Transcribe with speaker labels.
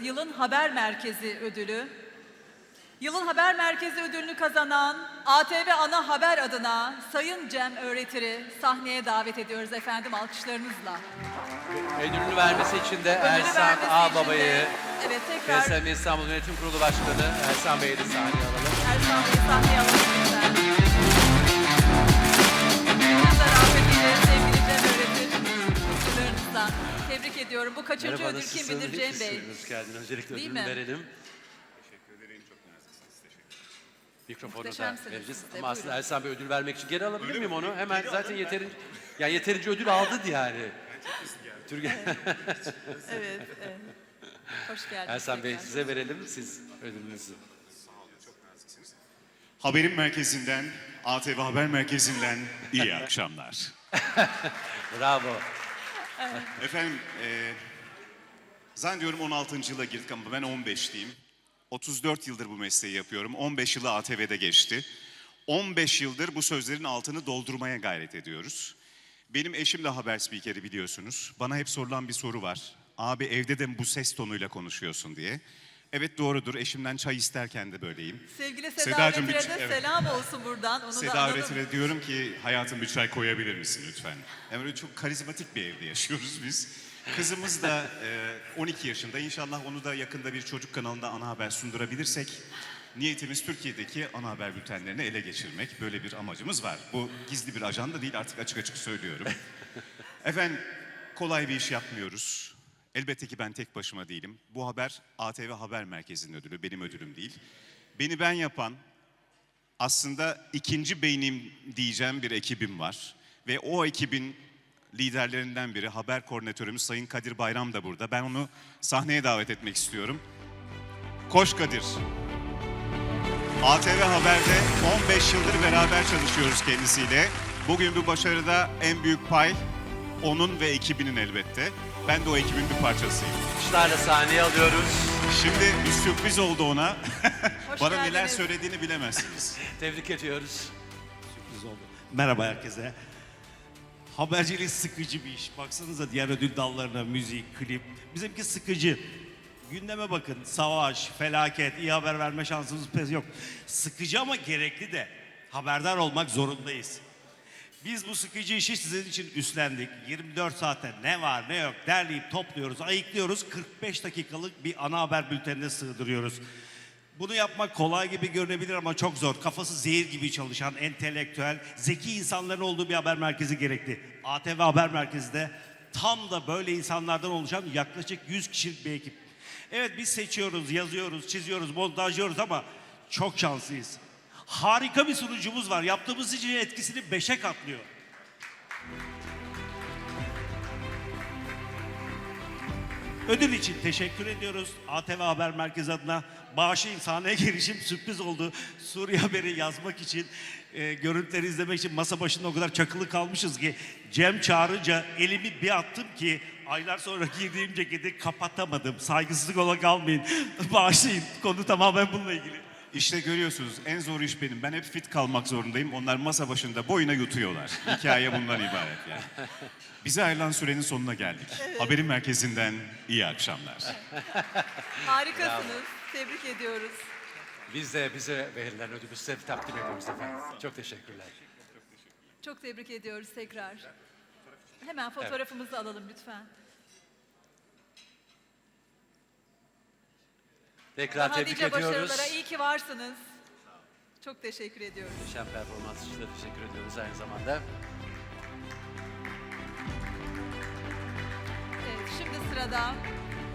Speaker 1: Yılın Haber Merkezi ödülü. Yılın Haber Merkezi ödülünü kazanan ATV Ana Haber adına Sayın Cem Öğretir'i sahneye davet ediyoruz efendim alkışlarınızla.
Speaker 2: Ödülünü vermesi için de
Speaker 1: Ödülü
Speaker 2: Ersan
Speaker 1: vermesi
Speaker 2: Ağbaba'yı,
Speaker 1: için de, evet, tekrar
Speaker 2: KSM İstanbul Yönetim Kurulu Başkanı Ersan Bey'i de sahneye alalım.
Speaker 1: Ersan Bey'i sahneye alalım lütfen. Biz de rahmetiyle sevgili Cem Öğretir alkışlarınızla tebrik ediyorum. Bu kaçıncı
Speaker 2: Merhaba,
Speaker 1: ödül
Speaker 2: nasılsın?
Speaker 1: kim bilir Cem Bey?
Speaker 2: Hoş geldin. Öncelikle
Speaker 1: Değil
Speaker 2: ödülünü
Speaker 1: mi?
Speaker 2: verelim.
Speaker 3: Teşekkür ederim. Çok naziksiniz. Teşekkür ederim.
Speaker 2: Mikrofonu da
Speaker 1: Muhteşemsiniz
Speaker 2: vereceğiz.
Speaker 1: siz de,
Speaker 2: Ama aslında
Speaker 1: buyurun.
Speaker 2: Ersan Bey ödül vermek için geri alabilir miyim onu? Hemen zaten yeterince ödül aldı yani. Türkiye.
Speaker 1: Evet, evet. Hoş geldiniz.
Speaker 2: Ersan Bey
Speaker 1: tekrar.
Speaker 2: size verelim. Siz ödülünüzü.
Speaker 3: Haberin merkezinden, ATV Haber Merkezi'nden iyi akşamlar.
Speaker 2: Bravo.
Speaker 3: Efendim, zannediyorum 16. yıla girdik ama ben 15'liyim. 34 yıldır bu mesleği yapıyorum. 15 yılı ATV'de geçti. 15 yıldır bu sözlerin altını doldurmaya gayret ediyoruz. Benim eşim de haber spikeri biliyorsunuz. Bana hep sorulan bir soru var. Abi evde de mi bu ses tonuyla konuşuyorsun diye. Evet doğrudur. Eşimden çay isterken de böyleyim.
Speaker 1: Sevgili Seda
Speaker 3: Sedacığım,
Speaker 1: Öğretir'e de
Speaker 3: evet.
Speaker 1: selam olsun buradan. Onu da
Speaker 3: Seda
Speaker 1: analım.
Speaker 3: Öğretir'e diyorum ki hayatım bir çay koyabilir misin lütfen? Yani öyle çok karizmatik bir evde yaşıyoruz biz. Kızımız da 12 yaşında. İnşallah onu da yakında bir çocuk kanalında ana haber sundurabilirsek niyetimiz Türkiye'deki ana haber bültenlerini ele geçirmek. Böyle bir amacımız var. Bu gizli bir ajanda değil, artık açık açık söylüyorum. Efendim kolay bir iş yapmıyoruz. Elbette ki ben tek başıma değilim. Bu haber ATV Haber Merkezi'nin ödülü, benim ödülüm değil. Beni ben yapan, aslında ikinci beynim diyeceğim bir ekibim var. Ve o ekibin liderlerinden biri, haber koordinatörümüz Sayın Kadir Bayram da burada. Ben onu sahneye davet etmek istiyorum. Koş Kadir. ATV Haber'de 15 yıldır beraber çalışıyoruz kendisiyle. Bugün bu başarıda en büyük pay onun ve ekibinin elbette. Ben de o ekibin bir parçasıyım.
Speaker 2: Kuşlarla sahneye alıyoruz.
Speaker 3: Şimdi bir sürpriz oldu ona.
Speaker 1: Hoş
Speaker 3: Bana neler
Speaker 1: geldiniz.
Speaker 3: söylediğini bilemezsiniz.
Speaker 2: Tebrik ediyoruz.
Speaker 4: Sürpriz oldu. Merhaba herkese. Habercilik sıkıcı bir iş. Baksanıza diğer ödül dallarına, müzik, klip. Bizimki sıkıcı. Gündeme bakın. Savaş, felaket, iyi haber verme şansımız pek yok. Sıkıcı ama gerekli de. Haberdar olmak zorundayız. Biz bu sıkıcı işi sizin için üstlendik. 24 saate ne var ne yok derleyip topluyoruz, ayıklıyoruz. 45 dakikalık bir ana haber bültenine sığdırıyoruz. Bunu yapmak kolay gibi görünebilir ama çok zor. Kafası zehir gibi çalışan, entelektüel, zeki insanların olduğu bir haber merkezi gerekli. ATV Haber Merkezi de tam da böyle insanlardan oluşan yaklaşık 100 kişilik bir ekip. Evet biz seçiyoruz, yazıyoruz, çiziyoruz, montajlıyoruz ama çok şanslıyız. Harika bir sunucumuz var. Yaptığımız için etkisini 5'e katlıyor. Ödül için teşekkür ediyoruz. ATV Haber Merkezi adına bağışlayın, sahneye gelişim sürpriz oldu. Suriye haberi yazmak için, görüntüleri izlemek için masa başında o kadar çakılı kalmışız ki Cem çağırınca elimi bir attım ki aylar sonra giydiğim ceketi kapatamadım. Saygısızlık olarak almayın. Bağışlayın. Konu tamamen bununla ilgili.
Speaker 3: İşte görüyorsunuz en zor iş benim. Ben hep fit kalmak zorundayım. Onlar masa başında boyuna yutuyorlar. Hikaye bundan ibaret yani. Bize ayrılan sürenin sonuna geldik. Haberin merkezinden iyi akşamlar.
Speaker 1: Harikasınız. Tebrik ediyoruz.
Speaker 2: Biz de bize verilen ödülü size takdim ediyoruz efendim. Çok teşekkürler.
Speaker 1: Çok tebrik ediyoruz tekrar. Hemen fotoğrafımızı alalım lütfen.
Speaker 2: Tekrar
Speaker 1: Daha
Speaker 2: tebrik
Speaker 1: nice
Speaker 2: ediyoruz.
Speaker 1: başarılara iyi ki varsınız. Çok teşekkür ediyoruz.
Speaker 2: Muhteşem performans için de teşekkür ediyoruz aynı zamanda.
Speaker 1: Evet, şimdi sırada